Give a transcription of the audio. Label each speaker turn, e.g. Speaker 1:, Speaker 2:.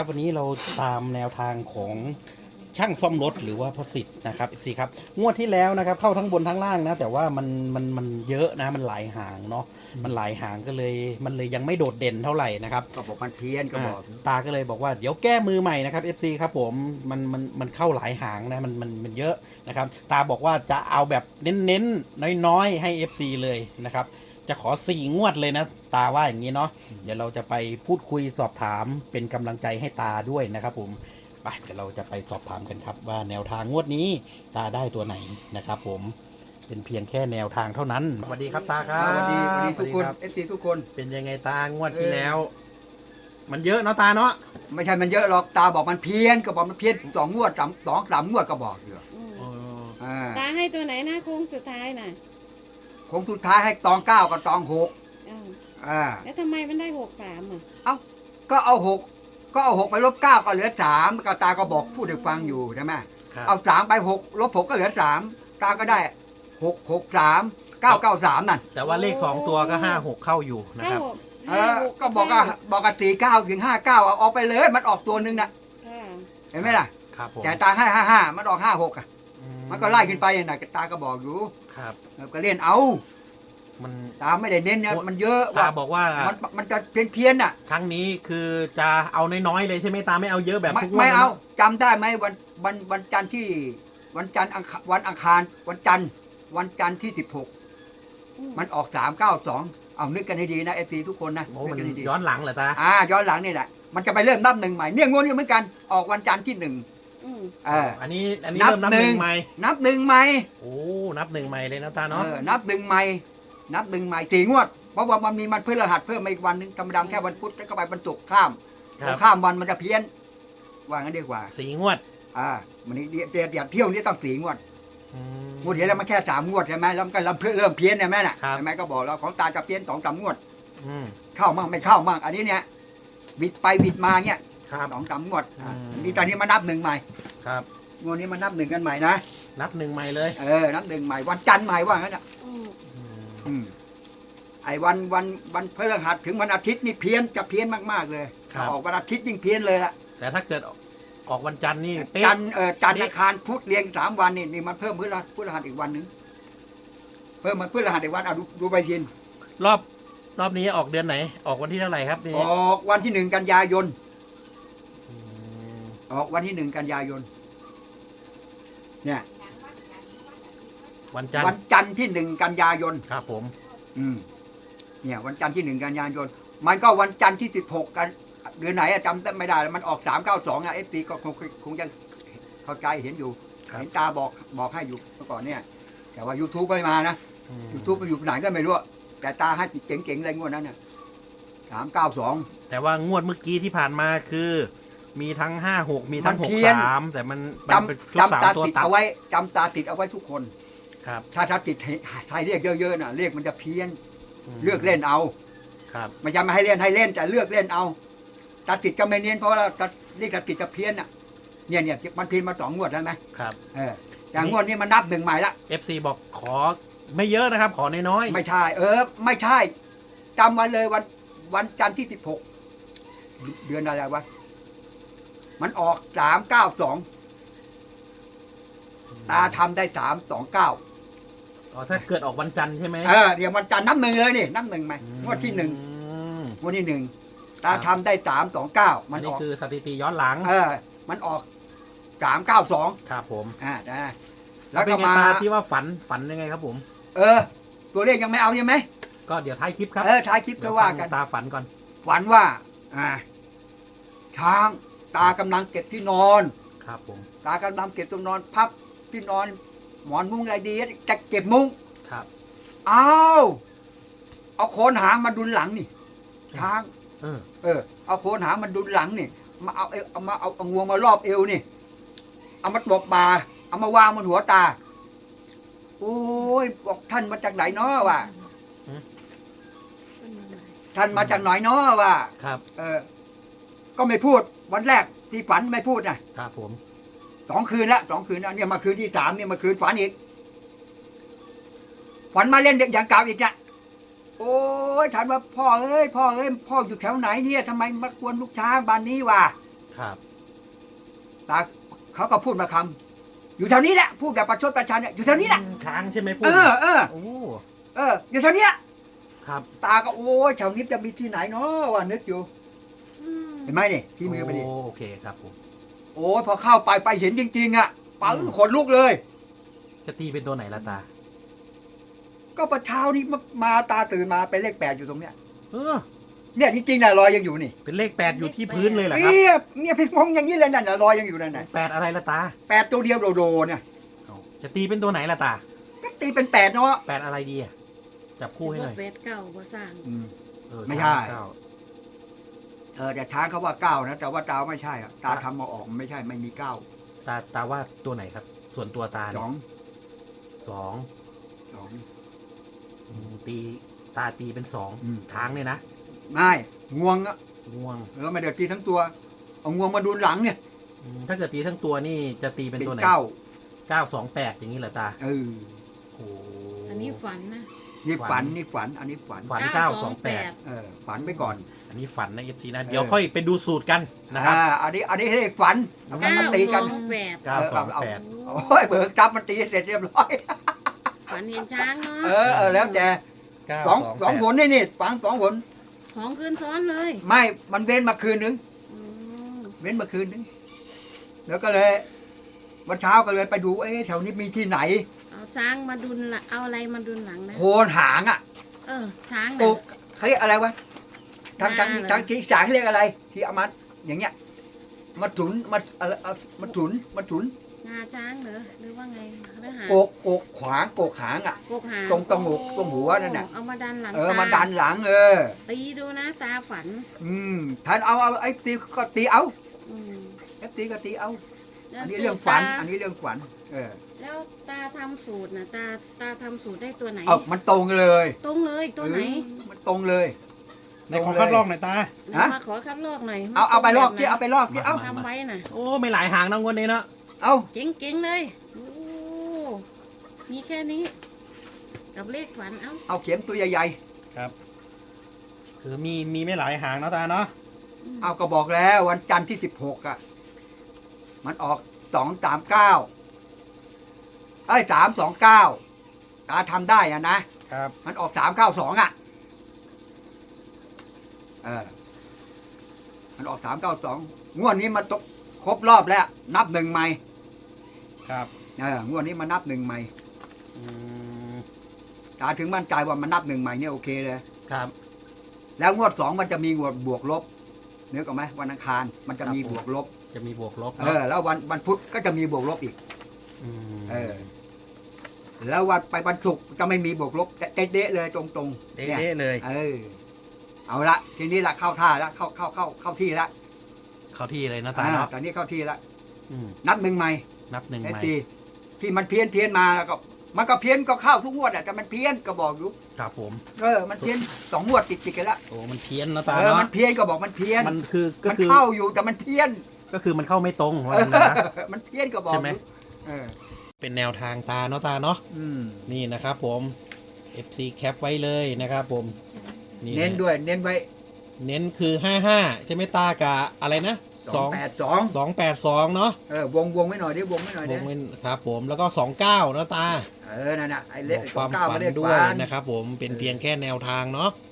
Speaker 1: วันนี้เราตามแนวทางของช่างซ่อมรถหรือว่าพสิทธิ์นะครับFCครับงวดที่แล้วนะครับเข้าทั้งบนทั้งล่างนะแต่ว่ามันเยอะนะมันหลายหางเนาะมันหลายหางก็เลยมันเลยยังไม่โดดเด่นเท่าไหร่นะครับ
Speaker 2: ก็บอกมันเพี้ยนก็บอก
Speaker 1: ตาก็เลยบอกว่าเดี๋ยวแก้มือใหม่นะครับ FC ครับผมมันเข้าหลายหางนะมันเยอะนะครับตาบอกว่าจะเอาแบบเน้นๆน้อยๆให้ FC เลยนะครับจะขอ4 งวดเลยนะตาว่าอย่างนี้เนาะเดี๋ยวเราจะไปพูดคุยสอบถามเป็นกำลังใจให้ตาด้วยนะครับผมไปเดี๋ยวเราจะไปสอบถามกันครับว่าแนวทางงวดนี้ตาได้ตัวไหนนะครับผมเป็นเพียงแค่แนวทางเท่านั้นสวัสดีครับตาครับ
Speaker 2: สวัสดีทุกคน
Speaker 1: รับ
Speaker 2: FC ทุกคน
Speaker 1: เป็นยังไงตางวดที่แล้ว มันเยอะเนาะตาเนาะ
Speaker 2: ไม่ใช่มันเยอะหรอกตาบอกมันเพี้ยนก็บอกมันเพี้ยน2 งวดสามงวดก็บอกอยู่
Speaker 3: ตาให้ตัวไหนนะโค้งสุดท้ายน่ะ
Speaker 2: คงสุดท้ายให้ตอง9กับตอง6
Speaker 3: แล้วทำไมมันได้63
Speaker 2: เอ้าก็เอา6ไปลบ9ก็เหลือ3ก็ตาก็บอกพูดให้ฟังอยู่ใช่ไหมเอา3ไป6ลบ6ก็เหลือ3ตาก็ได้6 3 9 นั่น
Speaker 1: แต่ว่าเลข2ตัวก็5 6เข้าอยู่นะครับ
Speaker 2: ก็บอกกัน49 ถึง 59เอาออกไปเลยมันออกตัวนึงน่ะเห็นไหมล่ะ
Speaker 1: ครับผม
Speaker 2: แต่ตาให้55มันออก56อ่ะมันก็ไล่ขึ้นไปน่ะตาก็บอกอยู่
Speaker 1: ครับ
Speaker 2: ก็เล่นเอา
Speaker 1: มัน
Speaker 2: ตาไม่ได้เน้นเนี่ยมันเยอะ
Speaker 1: ตาบอกว่า
Speaker 2: มันจะเพี้ยนน่ะ
Speaker 1: ครั้งนี้คือจะเอาน้อยๆเลยใช่ไหมตาไม่เอาเยอะแบบทุกวัน
Speaker 2: ไม่เอาจำได้ไหมวันจันทร์ที่วันจันทร์วันอังคารวันจันทร์ที่16มันออก392เอานึกกันให้ดีนะFCทุกคนนะ
Speaker 1: มันย้อนหลังเหรอตา
Speaker 2: ย้อนหลังนี่แหละมันจะไปเริ่มนับ1ใหม่เนี่ยงวดนี้เหมือนกันออกวันจันทร์ที่1
Speaker 1: อันนี้เริ่มนับ1ใหม่
Speaker 2: นับ1ใหม่
Speaker 1: โอ้นับ1ใหม่เลยนะตาเนาะ
Speaker 2: นับ1ใหม่4 งวดเพราะว่ามันมีมันพฤหัสเพิ่มมาอีกวันนึงธรรมดาแค่วันพุธแล้วก็ไปบรรจุข้ามวันมันจะเพี้ยนว่างั้นดีกว่า
Speaker 1: 4 งวด
Speaker 2: มันนี่เดี๋ยวเที่ยวนี้ต้อง4 งวดงวดเดียวแล้วมันแค่3 งวดใช่ไหมแล้วมันก็เริ่มเพี้ยนใช่ไหมน่ะใช่ไหมก็บอกแล้วของตาจะเพี้ยน2 3 งวดเข้ามั่งไม่เข้ามั่งอันนี้เนี่ยบิดไปบิดมาเนี่ย2 3 งวดนี่ตอนนี้มานับ1ใหม่
Speaker 1: ครับ
Speaker 2: งวดนี้มานับ1กันใหม่นะ
Speaker 1: นับ1ใหม่เลย
Speaker 2: นับ1ใหม่วันจันทร์ใหม่ว่างั้นอ่ะไอ้วันพฤหัสถึงวันอาทิตย์นี่เพี้ยนจะเพี้ยนมากๆเลยออกวันอาทิตย์ยิ่งเพี้ยนเลยละ
Speaker 1: แต่ถ้าเกิดออกวันจันทร์นี่
Speaker 2: จันทร์อังคารพุธเรียง3 วันนี่มันเพิ่มพฤหัสอีกวันนึงเพิ่มมันพฤหัสอีกวันดูไปทีน
Speaker 1: รอบนี้ออกเดือนไหนออกวันที่เท่าไหร่ครับนี่
Speaker 2: ออกวันที่1 กันยายนออกวันที่1 กันยายนเนี่ย
Speaker 1: วัน
Speaker 2: จันทร์ที่1 กันยายน
Speaker 1: ครับผม
Speaker 2: เนี่ยวันจันทร์ที่1 กันยายนมันก็วันจันทร์ที่16กันเดือนไหนจำไม่ได้มันออก392นะFPก็คงจะเข้าใจเห็นอยู่เห็นตาบอกให้อยู่เมื่อก่อนเนี่ยแต่ว่า YouTube ไม่มานะ YouTube มันอยู่ไหนก็ไม่รู้แต่ตาให้เจ๋งๆอะไรงวดนั้นเนี่ย392
Speaker 1: แต่ว่างวดเมื่อกี้ที่ผ่านมาคือมีทั้ง56มีทั้ง63แต่มันเป็น
Speaker 2: จำตาติดเอาไว้จำตาติดเอาไว้ทุกคน
Speaker 1: ครับ
Speaker 2: ถ้าติดไทยเรียกเยอะๆน่ะเรียกมันจะเพี้ยนเลือกเล่นเอา
Speaker 1: ครับ
Speaker 2: ไม่จำไม่ให้เล่นแต่เลือกเล่นเอาตาติดก็ไม่เนียนเพราะว่าเรียกตาติดจะเพี้ยนอ่ะเนี่ยมันเพี้ยนมา2 งวดแล้วไหม
Speaker 1: ครับ
Speaker 2: อย่างงวดนี้มันนับ1ใหม่ละ
Speaker 1: FC บอกขอไม่เยอะนะครับขอน้อย
Speaker 2: ๆไม่ใช่ไม่ใช่จำไว้เลยวันจันทร์ที่16เดือนอะไรวะมันออก392ตาทำได้329
Speaker 1: ถ้าเกิดออกวันจันทร์ใช่ไหม
Speaker 2: เดี๋ยววันจันทร์นับ1เลยนี่นับ1ไหมงวดที่1งวดที่1ตาทำได้329
Speaker 1: มันนี่คือสถิติย้อนหลัง
Speaker 2: มันออก392
Speaker 1: ครับผม
Speaker 2: แล้วก็มา
Speaker 1: ที่ว่าฝันยังไงครับผม
Speaker 2: ตัวเลขยังไม่เอาใช่ไหม
Speaker 1: ก็เดี๋ยวท้ายคลิปครับ
Speaker 2: ท้ายคลิปก็ว่ากัน
Speaker 1: ตาฝันก่อน
Speaker 2: ฝันว่าช้างตากำลังเก็บที่นอน
Speaker 1: ครับผม
Speaker 2: ตากำลังเก็บที่นอนพับที่นอนหมอนมุ้งอะไรดีจะเก็บมุ้ง
Speaker 1: ครับ
Speaker 2: เอาโคนหางมาดุลหลังนี่ช้างเอาโคนหางมาดุลหลังนี่มาเอางวงมารอบเอวนี่เอามาตบบ่าเอามาวางบนหัวตาโอ้ยบอกท่านมาจากไหนเนาะวะท่านมาจากไหนเนาะวะ
Speaker 1: ครับ
Speaker 2: ก็ไม่พูดวันแรกที่ฝันไม่พูด
Speaker 1: นะครับผม
Speaker 2: 2 คืนละ2 คืนแล้วเนี่ยมาคืนที่3เนี่ยมาคืนฝันอีกฝันมาเล่นอย่างเก่าอีกเนี่ยโอ้ยถามว่าพ่อเอ้ยพ่ออยู่แถวไหนเนี่ยทำไมมากวนลูกช้างบ้านนี้วะ
Speaker 1: ครับ
Speaker 2: ตาเขาก็พูดมาคำอยู่แถวนี้แหละพูดแบบประชดประชันเนี่ยอยู่แถวนี้แหละ
Speaker 1: ช้างใช่ไหมพูด
Speaker 2: เออ
Speaker 1: โอ้
Speaker 2: อยู่แถวเนี้ย
Speaker 1: ครับ
Speaker 2: ตาก็โอ้ยแถวนี้จะมีที่ไหนเนาะว่านึกอยู่ เห็นไหมนี่ที่มือไปดิ
Speaker 1: โอเคครับผม
Speaker 2: โอ้ยพอเข้าไปเห็นจริงๆอ่ะปังขนลุกเลย
Speaker 1: จะตีเป็นตัวไหนละตา
Speaker 2: ก็ประเช้านี้มาตาตื่นมาเป็นเลข 8อยู่ตรงเนี้ย
Speaker 1: เออ
Speaker 2: เนี่ยจริงๆน่ะรอยยังอยู่นี่
Speaker 1: เป็นเลข 8อยู่ที่พื้นเลยเหรอครับ
Speaker 2: เนี่ยพี่มองอย่างนี้เลยนั่นน่ะรอยยังอยู่นั่นน่ะ
Speaker 1: 8อะไรละตา
Speaker 2: 8ตัวเดียวโดๆเนี่ย
Speaker 1: จะตีเป็นตัวไหนละตา
Speaker 2: ก็ตีเป็น8เนาะ
Speaker 1: 8อะไรดีอะจับคู่ให้หน่อย
Speaker 3: เวทเก่าบ่สร้าง
Speaker 1: เออ
Speaker 2: ไม่ใช่
Speaker 1: เก้า
Speaker 2: แต่ช้างเขาว่า9นะแต่ว่าตาไม่ใช่อ่ะตาทำมาออกมันไม่ใช่ไม่มี9
Speaker 1: ตาว่าตัวไหนครับ ส่วนตัวตา
Speaker 2: ส
Speaker 1: เนี่ย
Speaker 2: อง
Speaker 1: สอง
Speaker 2: สอง
Speaker 1: ตาตีเป็น
Speaker 2: อืม
Speaker 1: ช้างเนี่ยนะ
Speaker 2: ไม่งวงอ่ะ
Speaker 1: ง่วง
Speaker 2: ไม่เดี๋ยวตีทั้งตัวเอางวงมาดูหลังเนี่ย
Speaker 1: ถ้าเกิดตีทั้งตัวนี่จะตีเป็นตัวไหน 928อย่างนี้เหรอตา
Speaker 2: เออ
Speaker 1: โอ้
Speaker 3: อันนี้ฝันนะ
Speaker 2: นี่ฝันนี่ฝันอันนี้ฝัน
Speaker 1: ฝัน 928
Speaker 2: ฝันไปก่อน
Speaker 1: อันนี้ฝันนะเอฟซีนะ เดี๋ยวค่อยไปดูสูตรกันนะครับ
Speaker 2: อันนี้เลขฝันเอามันตีกัน
Speaker 3: 928
Speaker 1: 928
Speaker 2: โอ้ยเบิกจับมันตีเสร็จเรียบร้อย
Speaker 3: ฝันเห็นช้างเนาะ
Speaker 2: แล้วแต่สองผลนี่ฝัง2 ผล
Speaker 3: ของคืนซ้อนเลย
Speaker 2: ไม่มันเว้นมาคืนนึง
Speaker 3: อืม
Speaker 2: เว้นมาคืนนึงแล้วก็เลยวันเช้าก็เลยไปดูแถวนี้มีที่ไหน
Speaker 3: เอาช้างมาดุลละเอาอะไรมาดุลหลังนะ
Speaker 2: โคนหางอ่ะ
Speaker 3: ช้าง
Speaker 2: ปลู
Speaker 3: นะ
Speaker 2: กเขาเรียกอะไรวะทางที่สางเรียกอะไร ที่เอามาอย่างเงี้ยมาถุนมาอะไรมาถุน
Speaker 3: งาช้างเหรอหรือว่าไงหรือหาง
Speaker 2: โกกขวางโกกหางอ่ะ
Speaker 3: กกหาง
Speaker 2: ตรงตรงหัวตรงหัวนั่นน่ะ
Speaker 3: เอามาดันหลัง
Speaker 2: มาดันหลัง
Speaker 3: ตีดูนะตาฝัน
Speaker 2: ท่านเอาไอ้ตีก็ตีเอา
Speaker 3: อืม
Speaker 2: ไอ้ตีก็ตีเอา
Speaker 3: แล้ว
Speaker 2: อันนี้เรื่องฝัน
Speaker 3: สูต
Speaker 2: อันนี้เรื่องฝัน
Speaker 3: แล้วตาทำสูตรนะตาทำสูตรได้ตัวไหน
Speaker 2: มันตรงเลย
Speaker 3: ตรงเลยตัวไหน
Speaker 2: มันตรงเลย
Speaker 1: ในขอคัดลอกหน่อยตา
Speaker 3: มาขอคัดลอกหน่อย
Speaker 2: เอาไปลอก
Speaker 3: แบบ
Speaker 2: ที่เอาไปลอกที่เอา
Speaker 3: ทำไว้น่ะ
Speaker 1: โอ้ไม่หลายหางนะงวดนี้เนาะ
Speaker 2: เอา
Speaker 3: เจ๋งๆเลยโอ้มีแค่นี้ กับเลขฝันเอ้า
Speaker 2: เอาเข็มตัวใหญ่
Speaker 1: คือมีไม่หลายหางเนาะตาเนาะ
Speaker 2: ๆเอาก็บอกแล้ววันจันทร์ที่16อ่ะมันออก239329ตาทำได้อ่ะนะครับ มันออก392อ่ะมันออก392งวดนี้มันตกครบรอบแล้ว นับ1ใหม่
Speaker 1: ครับ
Speaker 2: งวดนี้มานับ1ใหม่
Speaker 1: อืม
Speaker 2: ตาถึงมั่นใจว่ามันนับ1ใหม่เนี่ยโอเคเลย
Speaker 1: ครับ
Speaker 2: แล้วงวด2มันจะมีงวดบวกลบนึกออกไหมวันอังคารมันจะมีบวกลบ
Speaker 1: จะมีบวกลบ
Speaker 2: แล้ววันพุธก็จะมีบวกลบอีก
Speaker 1: ม
Speaker 2: แล้ววันศุกร์จะไม่มีบวกลบเด๊ะๆเลยตรงๆ
Speaker 1: เด๊ะๆเลย
Speaker 2: เอาละทีนี้ละเข้าท่าละเข้าที่ละ
Speaker 1: เข้าที่เลยนะตาเนาะ
Speaker 2: ตอนนี้เข้าที่ละ
Speaker 1: อืม
Speaker 2: นับ1ใหม่
Speaker 1: นับหนึ่งใหม่
Speaker 2: ที่มันเพี้ยนมาแล้วก็มันก็เพี้ยนก็เข้าทุกงวดอ่ะแต่มันเพี้ยนก็บอกอยู่
Speaker 1: ครับผม
Speaker 2: มันเพี้ยน2 งวดติดกันละ
Speaker 1: โอ้มันเพี้ยนนะตา
Speaker 2: มัน
Speaker 1: เนาะ
Speaker 2: เพี้ยนก็บอกมันเพี้ยน
Speaker 1: มันคือก็
Speaker 2: มัน
Speaker 1: คือ
Speaker 2: เข้าอยู่แต่มันเพี้ยน
Speaker 1: ก็คือมันเข้าไม่ตรงว่างั้นนะ
Speaker 2: มันเพี้ยนก็บอก
Speaker 1: ใช่ไหม
Speaker 2: อยู่
Speaker 1: เป็นแนวทางตาเนาะตาเนาะ นี่นะครับผม FC แคปไว้เลยนะครับผม
Speaker 2: เน้นด้วยเน้นไว้
Speaker 1: เน้นคือ55ใช่ไหมตากะอะไรนะ
Speaker 2: 282
Speaker 1: 282เนาะ
Speaker 2: วงไว้หน่อยดิวงไว้หน่อยดิ
Speaker 1: ผมครับผมแล้วก็29เนาะตา
Speaker 2: นั่นน่ะไอ้
Speaker 1: บ
Speaker 2: เลข
Speaker 1: อกความ
Speaker 2: 29
Speaker 1: ฝัน
Speaker 2: เลข
Speaker 1: ด้วย
Speaker 2: ฝัน
Speaker 1: นะครับผมเป็นเพียงแค่แนวทางเนาะ